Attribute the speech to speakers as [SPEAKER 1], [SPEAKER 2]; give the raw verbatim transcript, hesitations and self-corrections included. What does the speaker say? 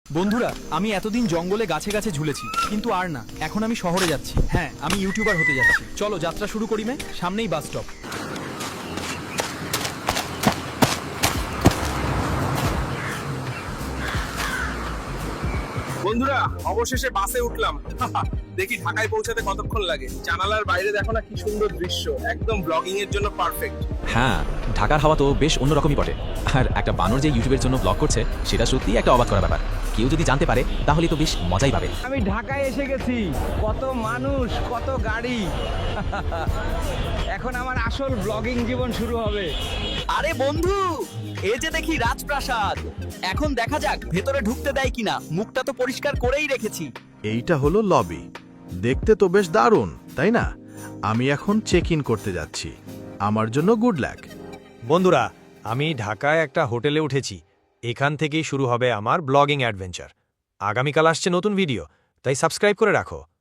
[SPEAKER 1] বন্ধুরা, আমি এতদিন জঙ্গলে গাছে গাছে ঝুলেছি, কিন্তু আর না। এখন আমি শহরে যাচ্ছি। হ্যাঁ, আমি ইউটিউবার হতে যাচ্ছি। চলো যাত্রা শুরু করি। মে সামনেই বাস স্টপ।
[SPEAKER 2] বন্ধুরা, অবশেষে বাসে উঠলাম। দেখি ঢাকায় পৌঁছাতে কতক্ষণ লাগে। জানালার বাইরে দেখো না কি সুন্দর দৃশ্য, একদম ব্লগিং এর জন্য পারফেক্ট।
[SPEAKER 3] হ্যাঁ, ঢাকার হাওয়া তো বেশ অন্যরকমই বটে। আর একটা বানর যে ইউটিউবের জন্য ব্লগ করছে সেটা সত্যিই একটা অবাক করা ব্যাপার। কেউ যদি জানতে পারে তাহলে তো বেশ মজাই পাবে।
[SPEAKER 4] আমি ঢাকায় এসে গেছি। কত মানুষ, কত গাড়ি। এখন আমার আসল ব্লগিং জীবন শুরু হবে।
[SPEAKER 5] আরে বন্ধু, এই যে দেখি রাজপ্রাসাদ। এখন দেখা যাক ভেতরে ঢুকতে দেয় কিনা। মুখটা তো পরিষ্কার করেই রেখেছি।
[SPEAKER 6] এইটা হলো লবি। দেখতে তো বেশ দারুণ, তাই না? আমি এখন চেক ইন করতে যাচ্ছি। আমার জন্য গুড লাক।
[SPEAKER 7] বন্ধুরা, আমি ঢাকায় একটা হোটেলে উঠেছি। এখান থেকেই শুরু হবে আমার ব্লগিং অ্যাডভেঞ্চার। আগামীকাল আসছে নতুন ভিডিও, তাই সাবস্ক্রাইব করে রাখো।